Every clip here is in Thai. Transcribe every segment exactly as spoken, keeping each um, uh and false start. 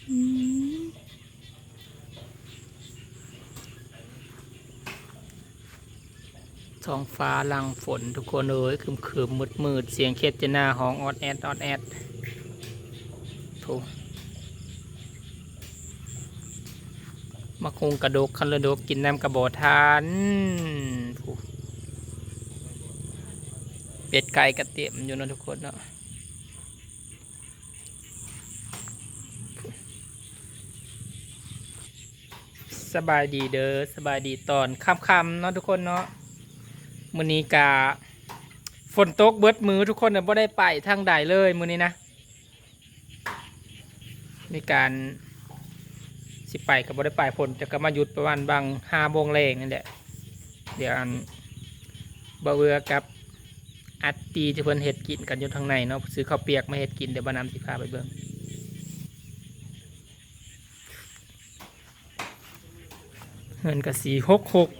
ท้องฟ้าลังฝนทุกคนเอ้ยคืมคืมมืดมืดเสียงเคสเจน่าห้องออดแอดออดแอดถูกมาคงกระดกคันระดกกินน้ำกระบอกทานถูกเป็ดไก่กระเทียมอยู่นะทุกคนเนาะสบายดีเด้อสบายดีตอนค่ำๆเนาะทุกคนเนาะมื้อนี้กาฝนตกเบิดมือทุกคนเนี่ยบ่ได้ไปทางใดเลยมื้อนี้นะมีการสิไปกับบ่ได้ไปฝนจะก็มาหยุดประมาณบางห้าโมงแรงนั่นแหละเดี๋ยวอันบ่เวือกับอัดตีจะเพิ่นเฮ็ดกินกันอยู่ทางในเนาะซื้อข้าวเปียกมาเฮ็ดกินเดี๋ยวบ่นำสิพาไปเบิ่งเงินก็สี่หกหก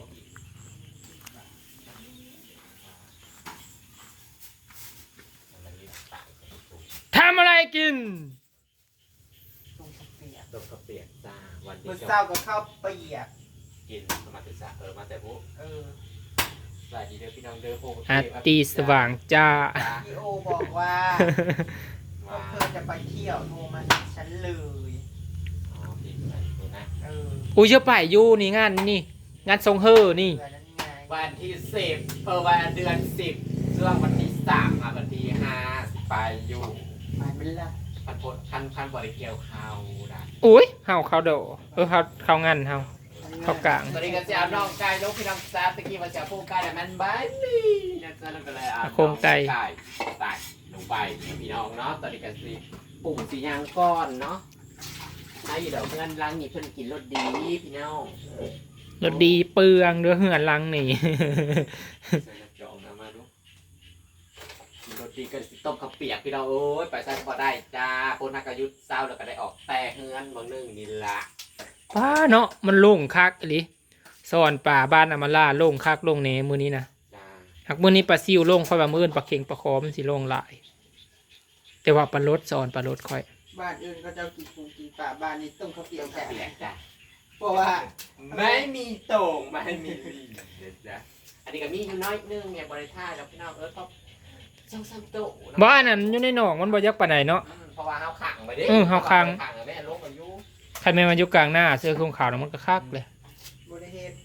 ทำอะไรกินต้มข้าวเปียกต้มข้าวเปียกจ้าวันนี้มื้อเช้าก็ข้าวเปียกกินมาถึงสะเออมาแต่พวกเออสวัสดีเด้อพี่น้องเด้อโฮมอาตีสว่างจ้าพี่โอบอกว่าพวกเธอจะไปเที่ยวโทรมาหาฉันเลยอ๋อพี่ไปดูนะเอออุ้ยจะไปอยู่นี่งานนี่งานทรงเฮอนี่เดือนนั้นไงวันที่สิบเออวันเดือนสิบช่วงวันที่สามมาวันที่ห้าไปอยู่ไปมันละพันพดพันพันบริเกียวข้าวได้อุ้ยเฮาเขาโดเออเขาเขางานเฮาเขากลางตอนนี้ก็จะเอาน้องไก่ลูกพี่น้องจ้าตะกี้ว่าจะพูดไก่แต่มันบ้านนี่นะจ๊ะแล้วก็เลยเอาโครงไก่ใส่ลงไปพี่น้องเนาะตอนนี้ก็สิปุ่มสียางก้อนเนาะให้เดี๋ยวเพื่อนล้างนี่เพื่อนกินรสดีพี่น้องรถดีเปลืองเด้อเหือนลังนี่จองนะมาดูรสดีก็ต้มข้าวเปียกพี่น้องโอ้ยไปใส่พอได้จ้าพนักยุทธ์เศร้าแล้วก็ได้ออกแต่เฮือนบางนึงนี่ละป้าเนาะมันโล่งคักอีหลีสอนป่าบ้านอำมาล่าโล่งคักโล่งเนมื้อนี้นะหากมื้อนี้ปลาซิวโล่งค่อยว่ามื้ออื่นปลาเข็งปลาคอมันสิโล่งหลายแต่ว่าปลารสสอนปลารสค่อยบ้านอื่นก็จะกินปูกินปลาบ้านนี้ต้มข้าวเปียกแต่จ้ะเพราะว่าไม่มีโต่งไม่มีเด็ดจ้ะอันนี้ก็มีอยู่น้อยนึงเนี่ยบริท่าแล้วพี่น้องเออก็ช่างซ้ำโต๊ะบ้านนั้นอยู่ในหนองมันบ่ยักปานใดเนาะเพราะว่าเฮาขังไปดิเออเฮาขังขังแม่ลงอายุใครแม่มันอยู่กลางหน้าเสื้อคลุมขาวมันก็คักเลยบ่ได้เฮ็ด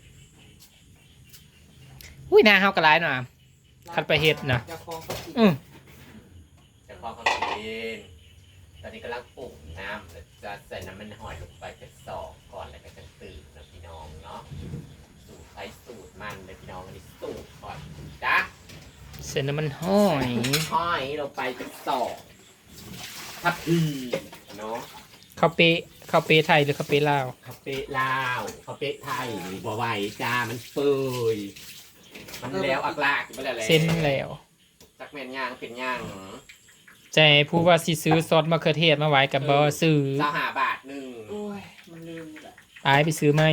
อุ้ยหน้าเฮาก็หลายหน่ะคันไปเฮ็ดนะจะคองก็กินอือจะคล้องเขากินตอนนี้กำลังปรุงน้ำจะใส่น้ำมันหอยลงไปจะสอกก่อนแล้วก็จะตื่นนะพี่น้องเนาะสูตรใช้สูตรมันเลยพี่น้องอันนี้สูตรก่อนจ้ะเส้นน้ำมันห้อยห้อยลงไปจะสอกทับพีเนาะข้าวเป๊ะข้าวเป๊ะไทยหรือข้าวเป๊ะลาวข้าวเป๊ะลาวข้าวเป๊ะไทยบัวไหวจ้ามันเปื่อยมันแล้วอักลากไปแล้วเส้นมันแล้วจักแม่นย่างเป็นย่างใจผู้ว่าสิซื้อซอสมะเขือเทศมาไว้กับบ่ซื้อเจ้าหาบาทหนึ่งโอ้ยมันลืมนี่แหละไปไปซื้อไหม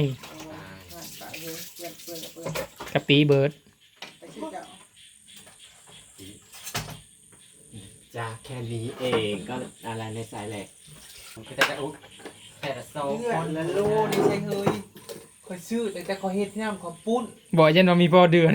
กะปิเบิร์ดจ้าแค่นี้เองก็อะไรในสายแหลกก็จะอุ๊แต่ละโซ่คนละโลนี่ใช่เฮ้ยคอยซื้อแต่แต่คอยเฮ็ดย่ำคอยปุ้นบอกยันว่ามีพอเดือน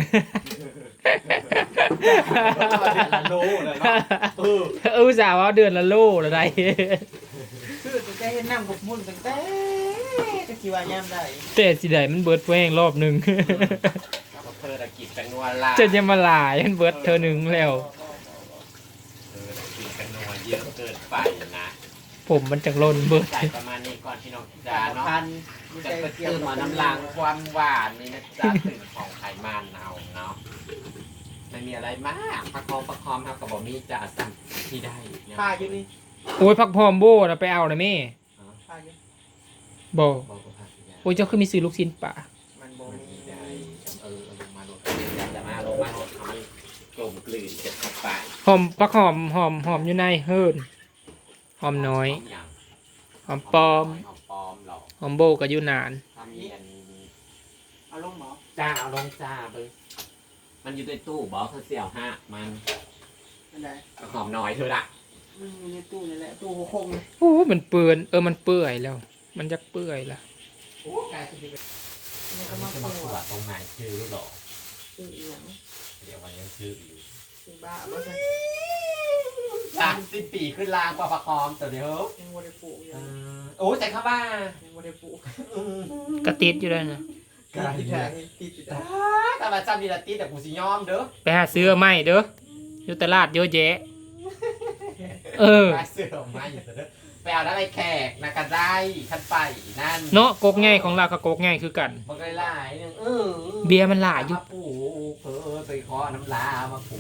ละโลเลยเนาะเออเออสาวว่าเดือนละโลอะไรซื้อแต่แต่เฮ็ดย่ำคอยปุ้นตั้งแต่จะกี่วันย่ำได้แต่สิได้มันเบิร์ดแห้งรอบหนึ่งเธอตะกิดกันนัวลาจะยังมาหลายมันเบิร์ดเธอหนึ่งแล้วเธอตะกิดกันนัวเยอะเกินไปนะผมมันจังล้นเบิร์ดใส่ประมาณนี้ก่อนพี่น้องจ้าเนาะจะไปตื่นมาน้ำลางความหวานนี่นะจ๊ะตื่นของไขมันเอาเนาะไม่มีอะไรมากประคองประคองครับกับบอมี่จะสั่งที่ได้ผ้าอยู่นี่โอ้ยพักพร้อมโบ้เราไปเอานะแม่ผ้าอยู่โบโอ้ยเจ้าคือมีซื้อลูกชิ้นป่ามันโบมีได้เออลงมาลงจะมาลงมาลงทำให้กลมกลืนเจ็บเข้าไปหอมพักหอมหอมหอมอยู่ในเฮิร์นหอมน้อยหอมปอมหอมโบกับยูนานเอาลงหมอจ้าเอาลงจ้าเบิ้งมันอยู่ในตู้บอกเขาเสี่ยวห้ามันหอมน้อยเธอละมันอยู่ในตู้นี่แหละตู้หัวคงเลยโอ้มันเปื่อนเออมันเปื่อยแล้ว มันจะเปื่อยละโอ้กายจะไปมันก็จะมามาปตรววดจตรงไหนชื่อหรอตู้อีหยังเดี๋ยววันยังชื่ออยู่ตู้บ้าบ่ใช่สามสิบปีขึ้นลางกว่าประคอมตัวเดียวยังบ่ได้ปลูกอยู่โอ้ใจเข้าบ้ายังบ่ได้ปลูกกระติดอยู่เลยนะติดอยู่ได้ติดอยู่ได้แต่มาจำดีละตีแต่กูสิยอมเด้อไปหาซื้อเอาไม่เด้ออยู่ตลาดเยอะแยะ เออไปเสื้อออกมาอยู่เด้อไปเอาได้ไปแขกนะกันได้ขันไปนั่นเนาะกกง่ายของเรากับกกง่ายคือกันมันก็หลายนึงเออเบียร์มันหลายอยู่มาปูเผลอไปขอน้ำลามาปู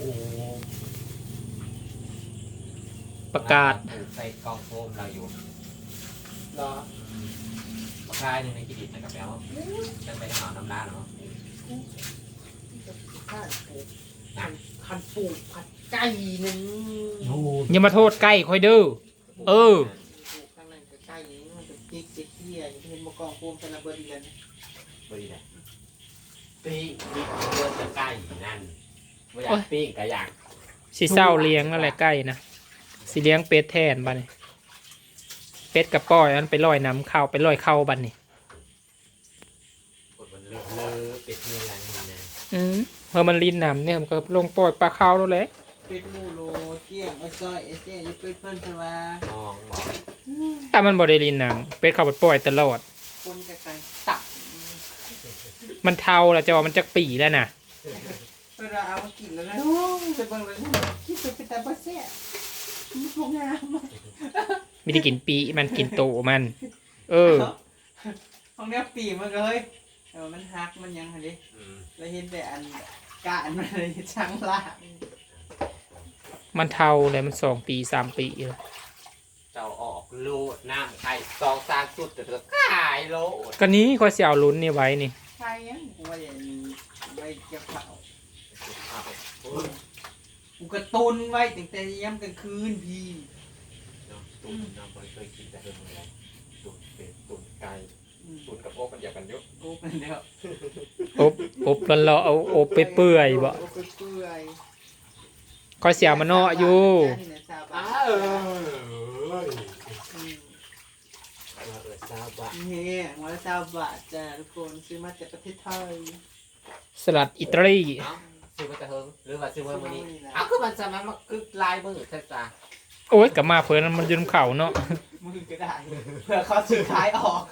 ประกาศใส่กล่องโฟมเราอยู่รอมาคลายหนึ่งในกิดิตนะครับแล้วจะไปหาน้ำลาเนาะข้าวปลูกคันปลูกผัดไก่นึงอย่ามาโทษใกล้คอยเด้อ เออปลูกข้างในก็ไก่นี่มันจะจิกจิกเหี้ยอย่างที่เห็นบ่กองโฟมแต่ละเบอร์เดือนบริเลยปีกปีกเลือดจะใกล้นั่นไม่อยากปีกก็อยากสิเศร้าเลี้ยงอะไรใกล้นะสิเลี้ยงเป็ดแทนบ้านี่เป็ดกับป้อยมันไปลอยน้ำเข้าไปลอยเข้าบ้านนี่กดมันเลอะเลอะเป็ดเนื้ออะไรนี่นะอืมเพอมันลินน้ำเนี่ยมันก็ลงปล่อยปลาเข้าแล้วแหละเป็ดมูโลเกี้ยงไอ้ซอยไอ้เจ๊อยู่เป็ดเพิ่นเพิ่นว่ามองบอกแต่มันบ่ได้ลินน้ำเป็ดเข้าไปปล่อยตลอดคนกับไก่ตับมันเทาแล้วจะว่ามันจักปีแล้วนะเวลาเอามากินแล้วนะโอ้ยไปเบิ่งเลยคิดไปเป็นตาบ่แซ่บมันคงงามอะไม่ได้กินปีมันกินโตมัน เออของเนี้ยปีมันก็เฮ้ยเออมันฮักมันยังหั่นดิอืมแล้วเห็นแต่อันกะอันมันเลยช่างล่างมันเทาเลยมันสองปีสามปีแล้วเจ้าออกโลดน้ำไข่ซองซางสุดแต่เธอขายโลดก็นี้คอยเสียวลุ้นนี่ไว้นี่ใช่ยังกูว่าอย่างนี้ไว้เก็บเผาโอ้ยกูกระตุนไว้ตั้งแต่ย้ำกลางคืนพี่น้ำตุ๋นน้ำบริเคยกินแต่เดิมเลยตุ๋นเป็ดตุ๋นไก่อืมตุ๋นกับโอ๊กมันอยากกันเยอะโอ้เป็นแล้วอบอบแล้วเราเอาอบไปเปื่อยบ่โอ้ไปเปื่อยคอยเสียวมันเนาะอยู่นี่นะสาวอ้าบ้านเอออืมเออเออซาบะนี่หัวละสาวบาทจ้ะทุกคนซื้อมาจากประเทศไทยสลัดอิตาลีเอ้าซื้อมาแต่เฮิงหรือว่าซื้อมาวันนี้เอ้าคือมันจะมามาคือลายมือแท้จ้าโอ้ยกลับมาเพิ่นมันอยืนเขาเนาะมือก็ได้ เพื่อเขาซื้อขายออก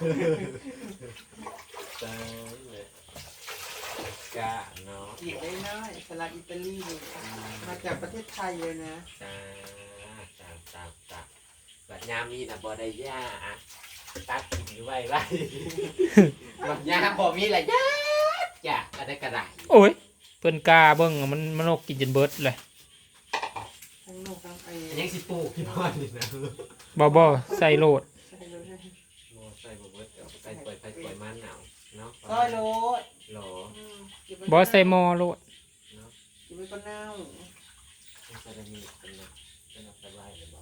จ้าเลยกะเนาะหยิบได้น้อยสลัดอิตาลีนี่มาจากประเทศไทยเลยนะจ้าจ้าจ้าจ้าแบบยามมีนะบ่ได้ย่าอะตัดกินอยู่ไว้ไว้แบบยามบ่มีแหละย่าจ้าอะไรก็ได้โอ้ยเพิ่นกาเบิ่งมันมันนกกินจนเบิดเลยทั้งนกทั้งไอ้ยังสิปลูกที่บ้านนี่นะบ่บ่ใส่โลดใช่เลยโมใส่บ่เบิดเดี๋ยวใส่ปล่อยใส่ปล่อยมันหนาวเนาะซอยโรดหรออืมเก็ไว้บ่ใส่หม้อโลดเนาะเก็บไว้ก็เน่ามันจะได้มีเป็นนะเป็นอะไรไว้หรือเปล่า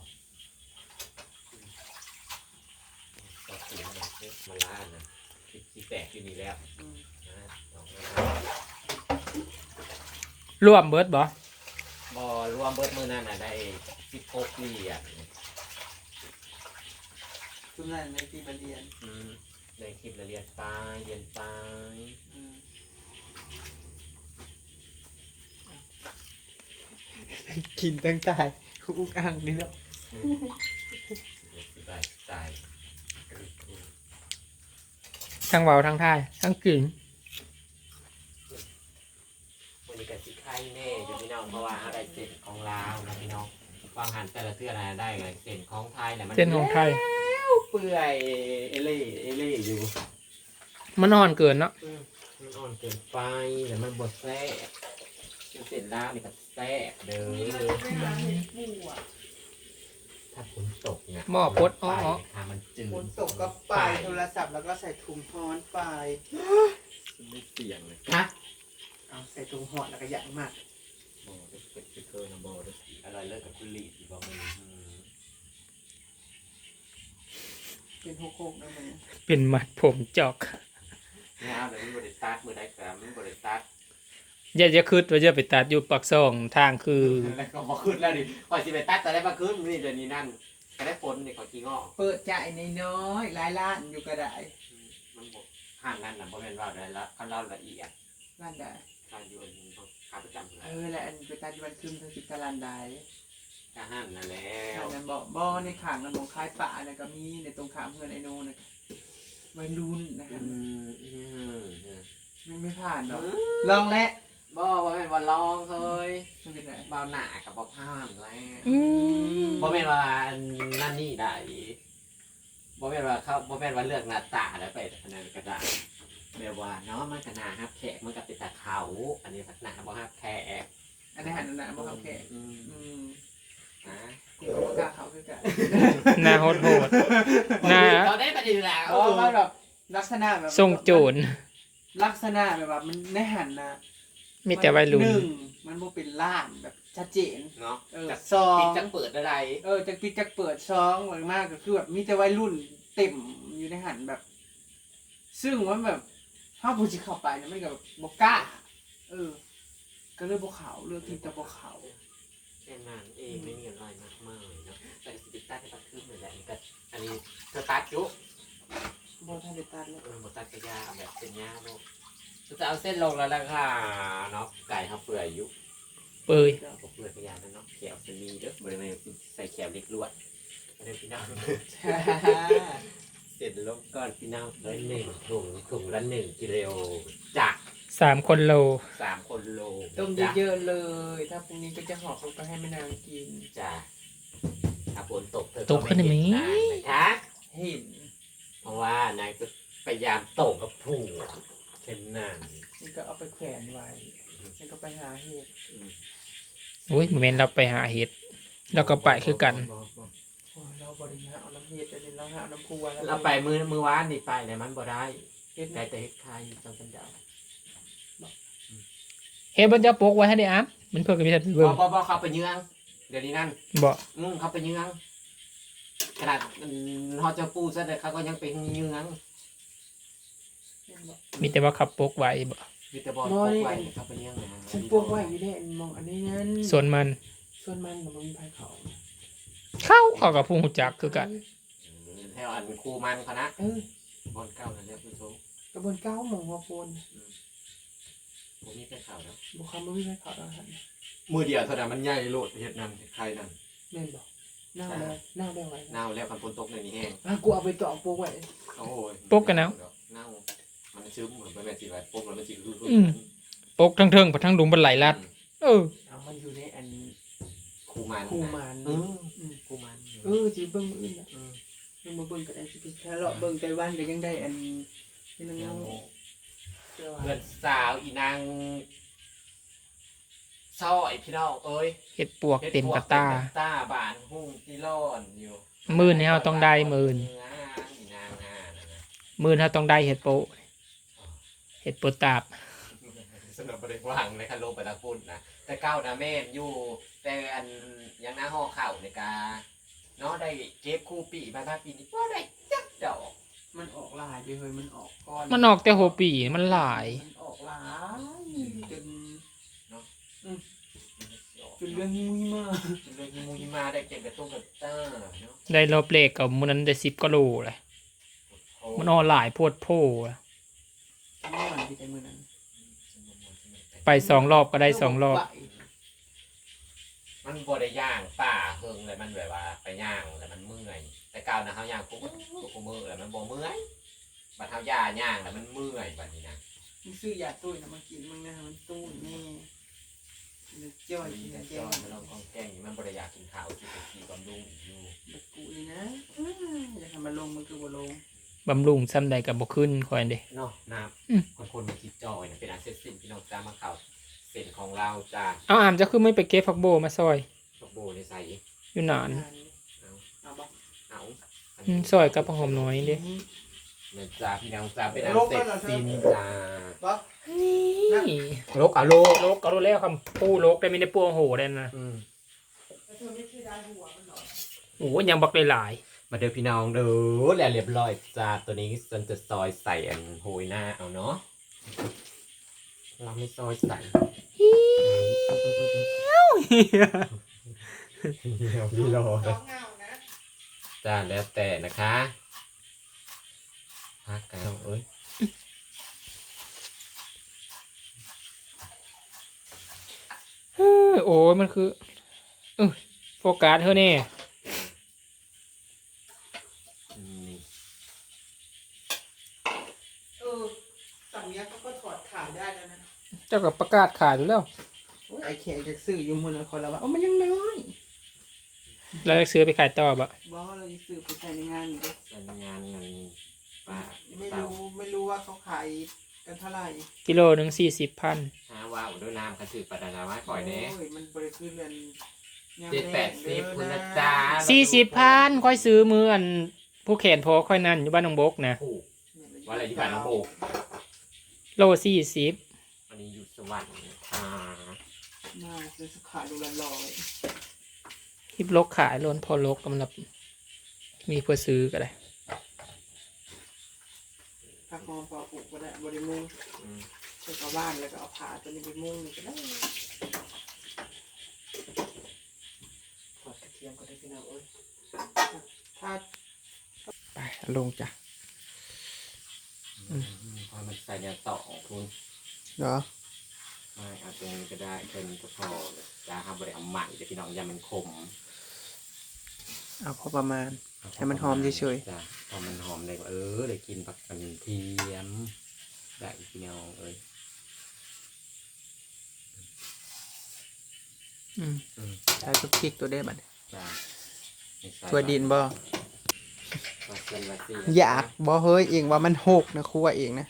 ต่อสีมันเนี่ยมาล่านะที่แตกอยู่นี่แล้วอืมนะสองรวมเบิดบ่บ่รวมเบิดมือนั่นน่ะได้สิบหกเหรียญทุกนั้นในปีบันเดียนอืมได้คลิปละเรียนไปเรียนไปอืมกินตั้งแต่คุกอ่างนี่แล้วได้ใจทั้งเว้าทั้งท่ายทั้งกึ่งวันนี้ก็สิไข่แน่อยู่พี่น้องเพราะว่าอะไรเส้นของลาวนะพี่น้องวางหันแต่ละเทื่ออะไรได้ไงเส้นของไทยเนี่ยมันเส้นของไทยเปื่อยเอเล่เอเล่อยู่มันอ่อนเกินเนาะมันอ่อนเกินไปแต่มันบดแซ่บเส้นลาวนี่ก็แซ่บเด้อถ้าฝนตกเนี่ยหม้อพดอ้อถ้ามันจืดฝนตกก็ไปโทรศัพท์แล้วก็ใส่ถุงฮ้อนไปไม่เสี่ยงเลยฮะเอาใส่ถุงห่อแล้วก็ยักมากโบเด็กเป็ดเป็ดเคยนะโบเด็กอร่อยเลิศกับคุณลีสิบอกมึงเป็นหกหกนะมันเป็นมัดผมจอกเนี่ยแต่มันบริตัดมือได้แต่มันบริตัดอย่าจะคืดว่าจะไปตัดอยู่ปากซองทางคือแล้วก็มาขึ้นแล้วดิคอยสิไปตัดแต่ได้มาขึ้นนี่เดี๋ยวนี้นั่นก็ได้ผลนี่ขอกินงอกเปิดใจในน้อยๆหลายล้านอยู่ก็ได้มันบอกห่างกันนะเพราะเป็นว่าได้ละเขาเล่าละเอียดล้านได้การอยู่อันนี้ขาประจำเลเอย อและอันไปตัดวันคืนทั้งสิบตารางได้ก็ห้ามนั่นแล้อัวนนั้นบอกบ่อในข้างนั้นของคล้ายป่านะก็มีในตรงข้ามเพื่อนไอโนนะวัยรุ่นนะคอืรับมอืมไม่ไม่ผ่านหรอกลองและบ่ว่าเป็นว่าลองเฮ้ยไม่เป็นไรเบาหนากับบ่ผ่านแล้วอืมบ่เป็นว่านั่นนี่ได้บ่เป็นว่าเขาบ่เป็นว่าเลือกหน้าตาแล้วไปอันนั้นก็ได้แบบว่าเนาะมันก็น่าฮับแขกมันก็เป็นตาเขาอันนี้พัฒนาบ่ฮับแขกอันนี้หันนั่นนะบอกเขาแค่อืมอืมนะกูก็บ่กล้าเขาคือกันหน้าโหดโหดหน้าเราได้ประเด็นแล้วเพราะว่าแบบลักษณะแบบทรงโจรลักษณะแบบว่ามันในหันนะมีแต่วัยรุ่นหนึ่งมันบ่เป็นล้านแบบชัดเจนเนาะเออจากสองปิดจังเปิดอะไรเออจากปิดจากเปิดซองหลังมากก็คือแบบมีแต่วัยรุ่นเต็มอยู่ในหันแบบ ซึ่งว่าแบบถ้าผู้สิเข้าไปเนี่ยไม่กับบกกล้า เออ ก็เลยบกเขาเลือกที่จะบกเขาแค่นั้นเองไม่มีอะไรมากมายเนาะแต่สติตัดให้ตัดขึ้นเลยแหละอันนี้ก็อันนี้เธอตัดยุบอท่านเดตัดเลยเออหมดตัดกระยาแบบเป็นยาโลกจะเอาเส้นลงแล้วล่ะค่ะเนาะไก่เขาเปื่อยยุเปื่อยเขาเปื่อยกระยานั่นเนาะแขวจะมีเด้อบริเวณใส่แขวเล็กลวดไม่ได้พี่น้องเสร็จลงก่อนพี่น้องร้อยหนึ่งถุงถุงละหนึ่งกิโลจากสามคนโลสามคนโลต้มจ้ะเยอะๆเลย ถ้าพรุ่งนี้ก็จะห่อเขาไปให้แม่นางกินจ้ะถ้าฝนตกเธอตกขึ้นไหมเห็นนางนะคะเห็นเพราะว่านางจะพยายามโตกับผู้เช่นนั้นนี่ก็เอาไปแขวนไว้นี่ก็ไปหาเห็ดโอ้ยโมเมนต์เราไปหาเห็ดแล้วก็ไปคือกันโอ้ยเราบริหารเอาน้ำเห็ดแต่เดี๋ยวเราหาน้ำพัวแล้วเราไปมือมือวานนี่ไปเนี่ยมันบ่ได้เห็ดได้แต่เฮ็ดไข่จังสันดาวเห็ดบนจะปลูกไว้ให้ได้อ่ะมันเพื่อกันมีแต่บเบิ่งอกบอกเขาไปเยืองเดี๋ยวนี้นั่นบ่อืมเขาไปเยืองขนาดเขาจะปูซะเลยเขาก็ยังเป็นเยืองมีแต่ว่าขับปลูกไว้บ่มีแต่บอลปกไว้เขาไปเยืองนะฉันปลูกไว้อยู่ในมองอันนี้นั้นส่วนมันส่วนมันกับมันมีภายเขาเข้าเขากับผู้หูจักคือกันแถวอันคูมันเขานะเออบอลเก้านั่นแหละผู้ชมกระบวนเก้าหมองหัวโปนผมมีแค่ข่าวแล้วบุคคลมันมีภายเขาแล้วหันมือเดียวเท่านั้นมันใหญ่โลดเฮ็ดนั่นใครนั่นแม่นบอกเน่าแล้วเน่าแล้วไว้เน่าแล้วคันฝนตกในนี้แห้งอ่ะกูเอาไปต่อปลูกไว้โอ้ยปลูกกันแล้วเน่ามันซึมเหมือนแบบสิไว้ปลูกแล้วมันสิคืออืม ปลูกทั้งเทิงไปทั้งดุมบันไหลลัด เออเอามันอยู่ในอันคูมันคูมันเอออืมคูมันเออจีเบิ้งมื้ออื่นอ่ะเออเบิ้งมาเบิ้งก็ได้สิแค่เลาะเบิ้งไต้หวันก็ยังได้อันนี่นึงยังเจ้าเพื่อนสาวอีนางซอยพี่น้องเอ้ยเห็ดปวกเต็มกระตาเฮ็ดพวกเต็มกระตาบานหุ่งที่ร้อนอยู่มื้อนี้เราต้องได้มื้อนี้งานอีนางงานนะนะมือถ้าต้องได้เห็ดโปะเห็ดโปะตาบสนุกประเด็นว่างในคันโลกไปตะพุ่นนะแต่เก้านะแม่นอยู่ แต่อันยังหน้าห่อเข่าในกาเนาะได้เก็บคู่ปีมาบ้าปีนี้ก็ได้จักดอกมันออกลายไปเฮ้ยมันออกก้อนมันออกแต่หัวปีมันหลายมันออกหลายจนจนเรื่องนี้มากจนเลยมีมูยมาได้เก็บกระตุ้งกระต้าเนาะได้รอบเลขกับมันนั้นได้สิบกิโลเลยโอ้มันออกหลายโพดโพอะเมื่อวันที่ใจมือนั้นไปสองรอบก็ได้สองรอบมันบ่ได้ย่างป่าเฮิงเลยมันแบบว่าไปย่างแล้วมันเมื่อยแต่เก่านะเขาย่างปุ๊บปุ๊บมือแล้วมันบ่เมื่อยบัดเท้าย่าย่างแล้วมันเมื่อยบัดนี้นะมึงซื้อยาตุ้ยนะมากินมึงนะมันตุ้ยแน่เดือดจ้อยมีกินแต่แกจอง มันลองกองแกงอยู่มันบ่ได้อยากกินข้าวกินแต่กีบำรุงอยู่แบบกูเลยนะอยากทำมาลงมันคือบ่ลงบำรุงซ้ำใดกับบ่ขึ้นคอยเด้เนาะน้อืมำคนคนมาคิดจอยนะเป็นอันเสร็จสิ้นพี่น้องจ้ามาข่าวเส้นของเราจ้าเอาอามจะคือไม่ไปเก็บผักโบมาซอยตกโบในใส่อยู่นานเอาเอาบ่เอาอืมซอยกับผักหอมน้อยเด้เนี่ยจ้าพี่น้องจ้าเป็นอันเสร็จสิ้นจ้าบ่นี่โลกอะโลกโลกก็รู้แล้วคำปูโลกได้ไม่ได้ปูโหได้นะอืมเธอไม่เคยได้หัวมันหรอโอ้ยยังบักหลายมาเด้อพี่น้องเด้อแล้วเรียบร้อยจ้าตัวนี้ฉันจะซอยใส่อันโหยหน้าเอาเนาะเราไม่ซอยใส่เฮียวเฮียเดี๋ยวพี่รอสองเงานะจ้าแล้วแต่นะคะพักกันเอ้ยเฮ้ยโอ้ยมันคือเออโฟกัสเธอเนี่ยนี่เออฝั่งเนี้ยเขาก็ถอดขายได้แล้วนะเจ้ากับประกาศขายอยู่แล้วโอ้ยไอ้แขกจะซื้ออยู่มือนะคนละว่าโอ้มันยังน้อยแล้วจะซื้อไปขายต่อบ่บอกว่าเราจะซื้อไปใช้ในงานอยู่ดิเป็นงานเงินป้าไม่รู้ไม่รู้ว่าเขาขายกันเท่าไหร่กิโลหนึ่งสี่สิบพันหาว่าอุดน้ำกระสือปลาดาไม้ปล่อยเน่โอ้ยมันบริคือเรือนยามเจ็ดแปดสิบงคุณเด้นะอจ๊ะสี่สิบพันค่อยซื้อมืออันผู้แขนพอค่อยนั่นอยู่บ้านหนองบกนะถูกว่าอะไรที่บ้านน้องโบกโลสี่สิบวันนี้อยู่สวรรค์ค่ะน่าจะขายดูละร้อยทิปลกขายล้นพอลกกำลังมีเพื่อซื้อก็ได้ผักหอมพอปลูกก็ได้บริมุงอืมใส่กระว่านแล้วก็เอาผ้าตัวนี้ไปมุงนี่ก็ได้ทอดกระเทียมก็ได้พี่น้องเอ้ยถ้าไปลงจ้ะพอมันใส่ยาต่อของคุณเหรอไม่เอาตรงนี้ก็ได้เป็นก็พอจ้าครับบริเอาใหม่เดี๋ยวพี่น้องยามันขมเอาพอประมาณ ให้มันหอมเฉยๆจ้ะพอมันหอมเลยเออเลยกินผักกระเทียมได้พี่น้องเอ้ยอืมอืมใส่ทุกพริกตัวได้บัดจ้ะไม่ใส่ตัวดินบ่ว่าเส้นว่าเส้นอยากบ่เฮ้ยเองว่ามันหกนะครัวเองนะ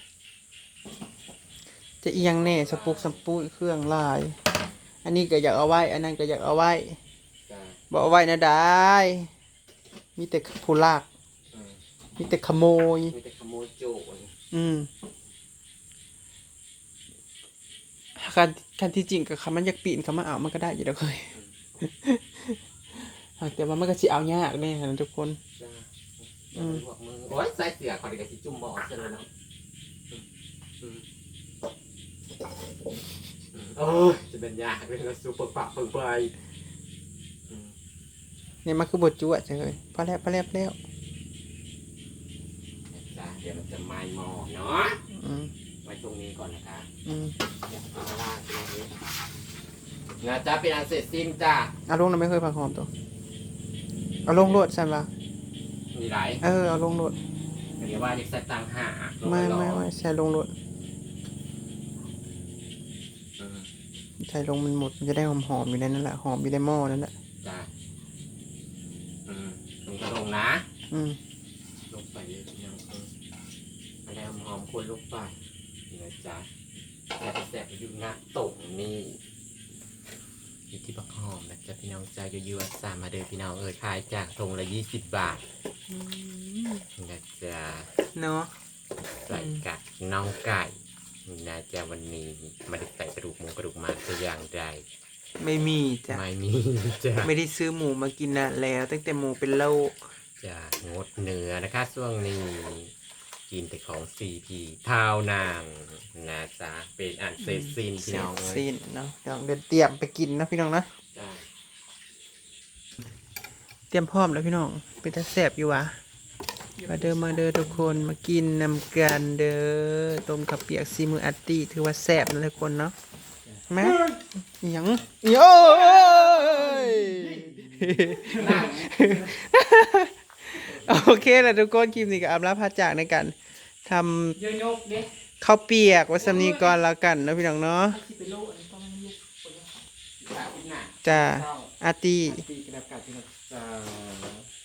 จะเอียงแน่สปุกสปุยเครื่องลาย อันนี้ก็อยากเอาไว้ อันนั้นก็อยากเอาไว้จ้ะบ่เอาไว้นะได้มีแต่ผู้ลากอืมมีแต่ขโมยมีแต่ขโมยโจรอืมการการที่จริงกับคำมันอยากปีนคำมาเอามันก็ได้อยู่แล้วเคย แต่ว่ามันก็สิเอายากแน่นะทุกคนจ้ะอืมพวกมึงโอ้ยใส่เสือขอดีกับที่จุ่มบ่อเสร็จแล้วเนาะอืมอืมอืมโอ้ยจะเป็นยากเป็นกระสุนเปิดปากเปิดไปอืมเนี่ยมันคือบทจุอ่ะเลยพอแล้วพอแล้วพอแล้วจ้ะเดี๋ยวมันจะไหม้หม้อเนาะอืมไว้ตรงนี้ก่อนนะคะอืมเดี๋ยวเอาล่างตรงนี้นะจ๊ะเป็นอันเสร็จสิ้นจ้ะเอาลงนะไม่เคยผักหอมตัวเอาลงรวดใช่ปะมีหลายเออเอาลงรวดเดี๋ยวว่าจะใส่ตังห้าไม่ไม่ไม่ใส่ลงรวดอืมใส่ลงมันหมดมันจะได้หอมหอมๆอยู่ในนั่นแหละหอมอยู่ในหม้อนั่นแหละจ้ะอืมลงกระลงนะอืมลงไปเลยยังเออไม่ได้หอมคนลงไปนี่นะจ๊ะแต่แสบอยู่หน้าตรงนี่อยู่ที่บักหอมนะจ๊ะพี่น้องจ้าอยู่ๆอัสสามาเดินพี่น้องเออขายจากทงละยี่สิบบาทนะจ๊ะเนาะใส่กัดน้องไก่นะจ๊ะวันนี้ไมาได้ใส่กระดูกหมูกระดูกหมาตัวอย่างใดไม่มีจ้ะไม่มีจ้ะไม่ได้ซื้อหมูมากินนานแล้ว ตั้งแต่หมูเป็นโรคจะงดเนื้อนะคะช่วงนี้กินแต่ของซีพีเท่านางนะจ๊ะเป็นอันเสร็จสิ้นพี่เสร็น้อจงเอ้ยสิ้นเนาะเดี๋ยวเดินเตรียมไปกินนะพี่น้องนะจ้ะเตรียมพร้อมแล้วพี่น้องเป็นตาแสบอยู่วะมาเดินมาเดินทุกคนมากินนำกันเด้อต้มขับเปียกซีมืออัตตี้ถือว่าแสบนะทุกคนเนาะแม่หยังโย้ย โอเคแหละทุกคนคลิปนี้ก็อัปลาพาจากในการทเยอะยกเด้ำข้าวเปียกวัสมีก่อนแล้วกันเนาะพี่น้องเนาะที่ไปโลอันนี้ต้องยุกจ้ะพี่หน้าจ้าอาร์ตี้ตีกระดับกัดพี่น้องจ้ะ